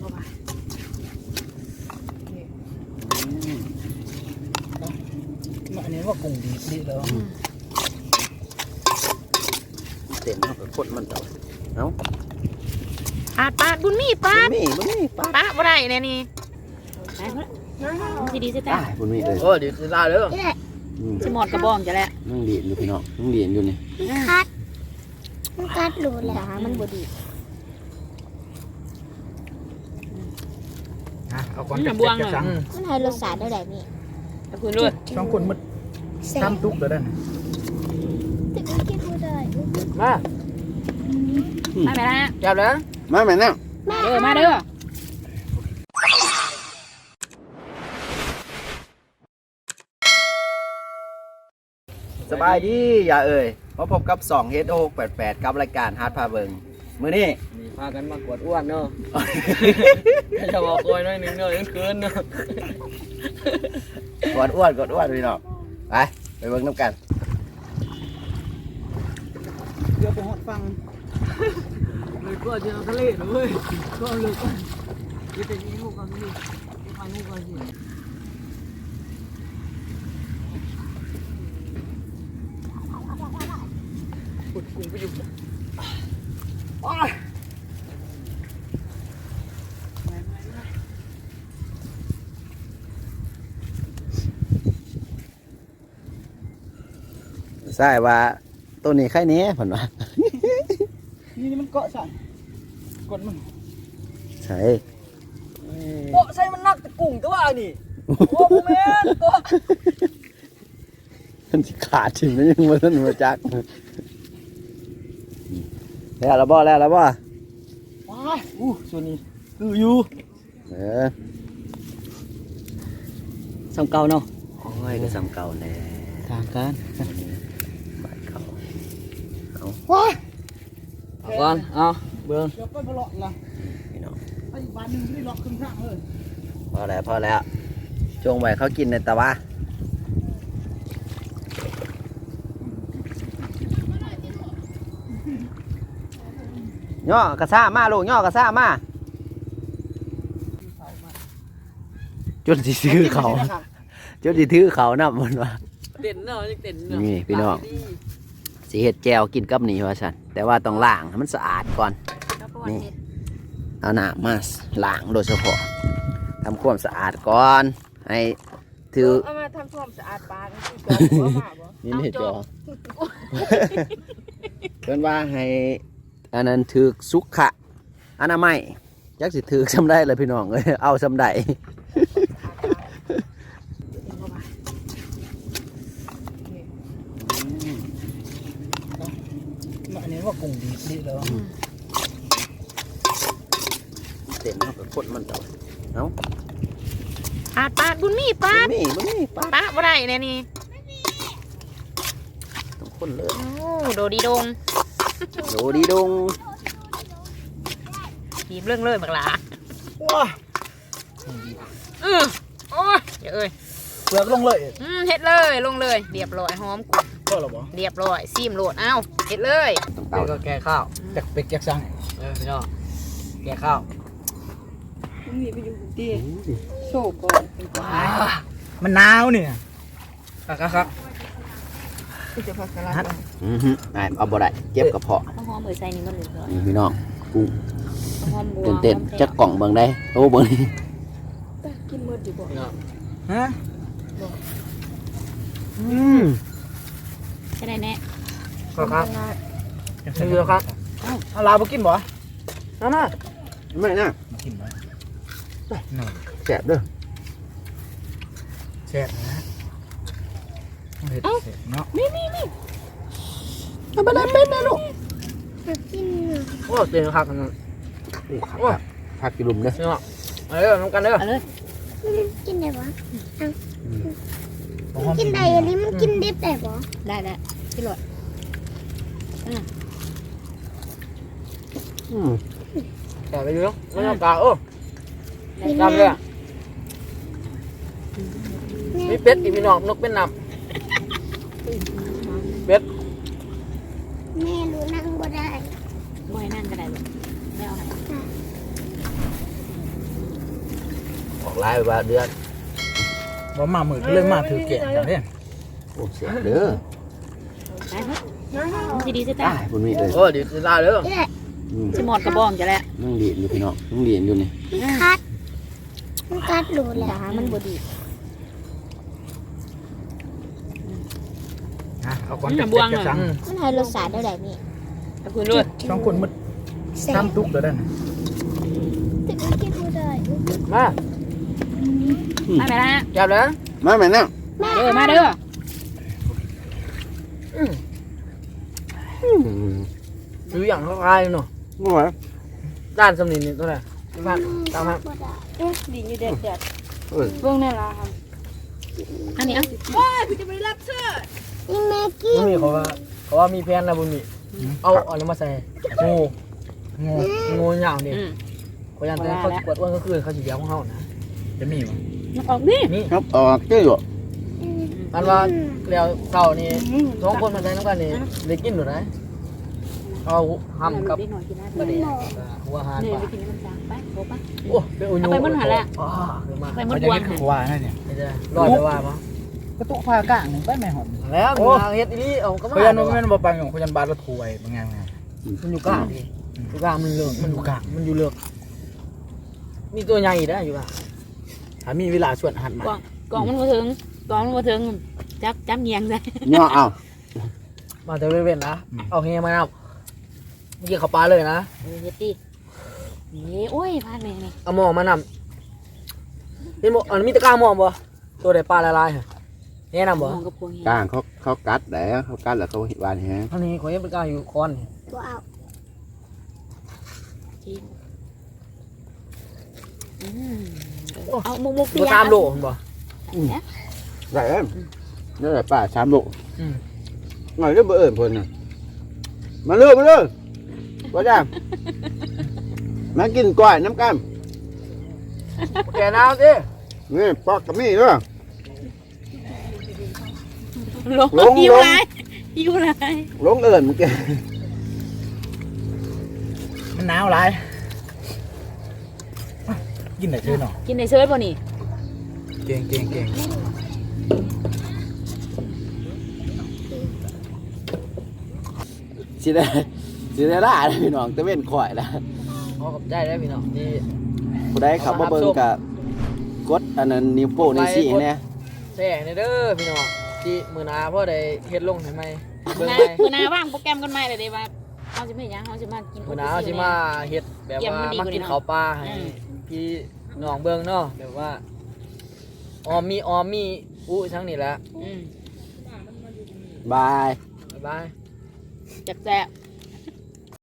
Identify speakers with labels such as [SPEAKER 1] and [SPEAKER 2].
[SPEAKER 1] เข้าไปอันนี้ว่ากุ้งดีแล้ว
[SPEAKER 2] เต็มแล้วก็กดมันต่อเอ้า
[SPEAKER 3] ปาดบุญมีปาด
[SPEAKER 2] บุญมีปาด
[SPEAKER 3] บ่ได้เนี่ยนี่ไปเพิ่นสิดีสิจ้า
[SPEAKER 2] บุญมีเลย
[SPEAKER 1] โอ้ดีสิลาเด้อ
[SPEAKER 3] สิหมดกระบองจะแล้ว
[SPEAKER 2] นั่งเรียนอยู่พี่น้องนั่งเรียนอยู่นี่
[SPEAKER 4] มันกัดหลุดแล้ว
[SPEAKER 3] มันบ่ดี
[SPEAKER 1] เอาก่อนจะบวงเลย
[SPEAKER 4] มันให้รสชาติได้แบบนี้
[SPEAKER 3] ตะคุณด้วย
[SPEAKER 1] สองคนมันซ้ำตุกเลยได้
[SPEAKER 4] แต่ก็กินไม่ได้
[SPEAKER 1] มา
[SPEAKER 3] มาแม่นะ
[SPEAKER 1] จับแล้ว
[SPEAKER 2] มาแม่นั่ง
[SPEAKER 3] มาเด้อ
[SPEAKER 2] สบายดีอย่าเอ่ยมาพบกับ2 H688 กับรายการฮาร์ดพาเบิงมื้อนี้
[SPEAKER 1] มีพากันมากวดอ้วนเนาะจะบอกโอยน้อยนึงเนาะยังคืนเนาะ
[SPEAKER 2] กดอ้วนพี่น้องไปเบิ่งน้ำกัน
[SPEAKER 1] เดี๋ยวไปหดฟังเลยก็จะทะเลเลยก็เลยก็จะเป็นลูกกันนี่จะพาลูกกันสิปุดกุ้งไปอยู่
[SPEAKER 2] ใช่ว่าตัวนี้ไข่นี้ผ่นว่า
[SPEAKER 1] นี่มันเกาะใส่กดมัน
[SPEAKER 2] ใช่
[SPEAKER 1] เกาะใส่มันนักแต่กุ้งตัวนี่โอ้โหแม่ตัว
[SPEAKER 2] มันขาดถึงแล้วยังมาท่านมาจักแล้วบ่ว้า
[SPEAKER 1] ส่วนนี้คืออยู่ซ้ำเก่าเนาะ
[SPEAKER 2] โอ้ยก็ซ้ำเก่าแน่
[SPEAKER 1] ทางการ
[SPEAKER 2] บาดเขา
[SPEAKER 1] เอาก่อนเอาเบิ่งเดี๋ยวไปบ่เลาะล่ะ
[SPEAKER 2] พี่น้อง
[SPEAKER 1] ไอ้บ้านนึงนี่เลาะขึ้นทางเลย
[SPEAKER 2] พอแล้วจงไว้เขากินในตะวะย่อกระซ่ามาลูกย่อกระซ่ามาจนสิซื้อเขาจนสิถือเขานับมันว่า
[SPEAKER 1] เด่นเนาะเด่นเนาะ
[SPEAKER 2] นี่พี่น้องสิเห็ดแจวกินกับนี่ว่าฉันแต่ว่าต้องล้างให้มันสะอาดก่อนนี่เอาหน้ามาล้างโดยเฉพาะทำความสะอาดก่อนให้ถือ
[SPEAKER 3] เอามาทำความสะอาดปลา
[SPEAKER 2] นี่เห็ดจอเพิ่นว่าให้อันนั้นถือสุขะอนามัยจักสิถือซ้ำได้เลยพี่น้องเอ้ยเอาซ้ำได้
[SPEAKER 1] อันนี้ว่ากุ้งดีแล้ว
[SPEAKER 2] เต็มแล้วก็กดมันต่อเอ้า
[SPEAKER 3] ปาดบุญมีปาด
[SPEAKER 2] บุญมีปาด
[SPEAKER 3] บ่ได้เนี่ยนี่
[SPEAKER 2] ต้องคนเลย
[SPEAKER 3] โอ้โดดีดงทีมเรื่องเลยบักหลา
[SPEAKER 1] ว้า
[SPEAKER 3] โอ้ยเอ้ย
[SPEAKER 1] เปลือกลงเลย
[SPEAKER 3] เฮ็ดเลยลงเลยเรียบร้อยหอมกุ้ง
[SPEAKER 1] ก็หรอบ่
[SPEAKER 3] เรียบร้อยซีมโหลดเอาเฮ็ดเลย
[SPEAKER 1] เดี๋ยวก็แกข้าวจากเป็กจากซังพี่น้องแกข้าว
[SPEAKER 3] มีไปอยู่ดีโชว์ก่อน
[SPEAKER 1] มันหนาวเนี่ยครับ
[SPEAKER 3] จะพักสลัด
[SPEAKER 2] เอาบ่ได้เจ็บกระเพาะ
[SPEAKER 3] หอมเบอร์ใส่นี่มันเลย
[SPEAKER 2] นี่พี่น้องกุ้งเต้นจักกล่องเบิ่งได้โตเบิ่ง
[SPEAKER 3] กินหมดอยู่บ่
[SPEAKER 1] ฮะ
[SPEAKER 3] จะได้แน่
[SPEAKER 1] ครับเยอะครับเอาลาไปกินบ่น่ะ
[SPEAKER 2] ไม่น่ะ
[SPEAKER 1] กินบ่
[SPEAKER 2] แซ่บเด้อ
[SPEAKER 1] แซ่บนะเผ็ดเนาะ
[SPEAKER 3] นี่
[SPEAKER 2] เอาไปได้เป็นนะลูก
[SPEAKER 4] กิน
[SPEAKER 1] โอ้เต็มครับ
[SPEAKER 2] ผักกิลุมเด้อ
[SPEAKER 1] เนาะเอาเลยน้ำกันเด้อ
[SPEAKER 3] เอาเลย
[SPEAKER 4] กินได้ปะกินได้อันนี้มันกินดิบได้ปะ
[SPEAKER 3] ได้กินหลอด
[SPEAKER 1] แต่ไปอยู่เนาะไม่ต้องกากาเลยมีเป็ดอีกพี่น้องนกเป็นน้ำเป็ด
[SPEAKER 4] แม่รู้นั่งบ่ได้
[SPEAKER 3] บ่ให้นั่งก็ได้ลูกไม่เอาไหน
[SPEAKER 2] อกลายไปว่าเดือน
[SPEAKER 1] บ่มามือก็เลยมาถือแกะจังเนี่ย
[SPEAKER 2] โอ้เสียเด้อ
[SPEAKER 3] ไปครับมันสิดีสิตา
[SPEAKER 2] ตายคุณมีเลย
[SPEAKER 1] โอ้เดี๋ยวจะลาเด้อ
[SPEAKER 4] นี่แหละ
[SPEAKER 3] สิหมดกระบองจะแล้ว
[SPEAKER 2] นั่งเรียนอยู่พี่น้องนั่งเรียนอยู่นี่
[SPEAKER 4] มันกัดหลูแหละ
[SPEAKER 3] ขามันบ่ดี
[SPEAKER 1] เอาก่อนจะสั่ง
[SPEAKER 4] มันให้รสชาติได้แบบนี้
[SPEAKER 3] ขอบคุณด้วย
[SPEAKER 1] ต้องคนมึด
[SPEAKER 4] แซ่บ
[SPEAKER 1] ทำทุกเด้อนั่น
[SPEAKER 4] แต่ก็กินบ่ได้
[SPEAKER 1] มา
[SPEAKER 3] มาไปละ
[SPEAKER 1] จับเลย
[SPEAKER 2] มาแม่นั่ง
[SPEAKER 3] มาเด้อ
[SPEAKER 1] ซื้ออย่างคล้ายๆเนาะ
[SPEAKER 2] ว่าไง
[SPEAKER 1] ด้านสำนีนี่ตัวไหนบ้านตามฮะ
[SPEAKER 4] บ่ได้
[SPEAKER 3] ดีอยู่เด็ด
[SPEAKER 2] เออ
[SPEAKER 3] เบิ่งแน่ล่ะครับอันนี้อ่ะ
[SPEAKER 4] นี่แม่กิน
[SPEAKER 1] บุญมีเขาว่ามีแพนนะบุญมีเอาอะไรมาใส่งูเหยาวนี่เขายันแต่เขาปวดอ้วนก็คือเขาสีเดียวของเขานะจะมีมั้ย
[SPEAKER 3] มันออกนี่
[SPEAKER 1] นี่
[SPEAKER 2] ครับออกเจ้าอยู่
[SPEAKER 1] มันว่าแล้วเต่านี่สองคนมาใช้น้ำกันนี่ได้กินหรือไงเอาห้ำกับ
[SPEAKER 3] นิดหน่อยกินได้
[SPEAKER 1] กระเดียหัวหาน
[SPEAKER 3] เนี่ย
[SPEAKER 1] ปลา
[SPEAKER 3] ไปกินน้ำตาลไปโอ้ปะ
[SPEAKER 1] โอ้เป็นอุญ
[SPEAKER 3] เอาไปมันหันแหละ
[SPEAKER 1] มา
[SPEAKER 3] ไป
[SPEAKER 1] มัน
[SPEAKER 3] มันกวน
[SPEAKER 1] ขวานั่นเนี่ยรอดไปว่ามั้ง
[SPEAKER 5] กระตุกผ้ากลางหนึ่งไปแม่หอม
[SPEAKER 1] แล้วมีเฮ็ดนี่เอาก็มา
[SPEAKER 5] พยันว่าแม่นบ่ปังของพยันบาดรถถวยบางอย่างไง
[SPEAKER 1] มันอยู่กลางดิอยู่กลางมันเลือกมันอยู่กลางมันอยู่เลือกมีตัวใหญ่ได้อยู่ป่ะถ้ามีเวลาชวนหันมาก
[SPEAKER 3] ล่องมันบ่ถึงกล่องมันบ่ถึงจับเงียงใส่
[SPEAKER 2] เนาะเอา
[SPEAKER 1] มาแต่เว้นนะเอาเฮียมาเอาเมื่อกี้เขาปลาเลยนะ
[SPEAKER 3] เฮ็ดดินี่โอ้ยพลาดแม่นี่
[SPEAKER 1] เอาหม้อมานำนี่หม้ออันมีตะกร้าหม้อบ่ตัวใดปลาละลายฮะแนะนำบ่
[SPEAKER 3] มองกับพวง
[SPEAKER 2] กลางเขากัดแล้วเขากัดแล้วเขาเห็นวานแฮง
[SPEAKER 1] เท่านี้ขอยังตะกร้าอยู่คอน
[SPEAKER 4] บ่เอา
[SPEAKER 3] จริงเอามุกๆ
[SPEAKER 1] บ่ตามโลบ่
[SPEAKER 2] ได้แล้วนี่แหละป้า3 โล
[SPEAKER 1] อืม
[SPEAKER 2] หน่อยเด้อบ่เอิ้นเพิ่นน่ะมาเด้อบ่จ้ามากินก้อยน้ำกัน
[SPEAKER 1] แกน้ำสิ
[SPEAKER 2] นี่ปอกกับมีเด้อ
[SPEAKER 3] ลงอยู่ไรอยู่ไร
[SPEAKER 2] ลงเอิ้นมึงแก
[SPEAKER 5] มันหนาวหลายกินได้ชื่อเนาะ
[SPEAKER 3] กินในเซิร์ฟป่ะนี่
[SPEAKER 5] เก่ง
[SPEAKER 2] สิได้ล่าเด้อพี่น้องตะเว้นข่อยแล้ว
[SPEAKER 1] ขอขอบใจได้พี่น้องที่
[SPEAKER 2] ผู้ใดเข้ามาเบิ่งก็กดอันนั้นนิ้วโป้งนิ้วชี้แน่
[SPEAKER 1] แช่ในเด้อพี่น้องที่มื้อหน้าพ่อได้เฮ็ดลงให้ใหม่เบิ่ง
[SPEAKER 3] นา
[SPEAKER 1] ใหม่
[SPEAKER 3] มือนาว่างโปรแกรมกันใหม่เลยเด้ว่าเขาจะไม่ยังเขาจะมากิน
[SPEAKER 1] มื้อหน้าเอาสิมาเฮ็ดแบบว่ามากินข้าวปลาให้พี่น้องเบิ่งเนาะแบบว่าออมมีอู้ทั้งนี้แหละ
[SPEAKER 2] บาย
[SPEAKER 1] บ๊ายบาย
[SPEAKER 3] จักแจ๊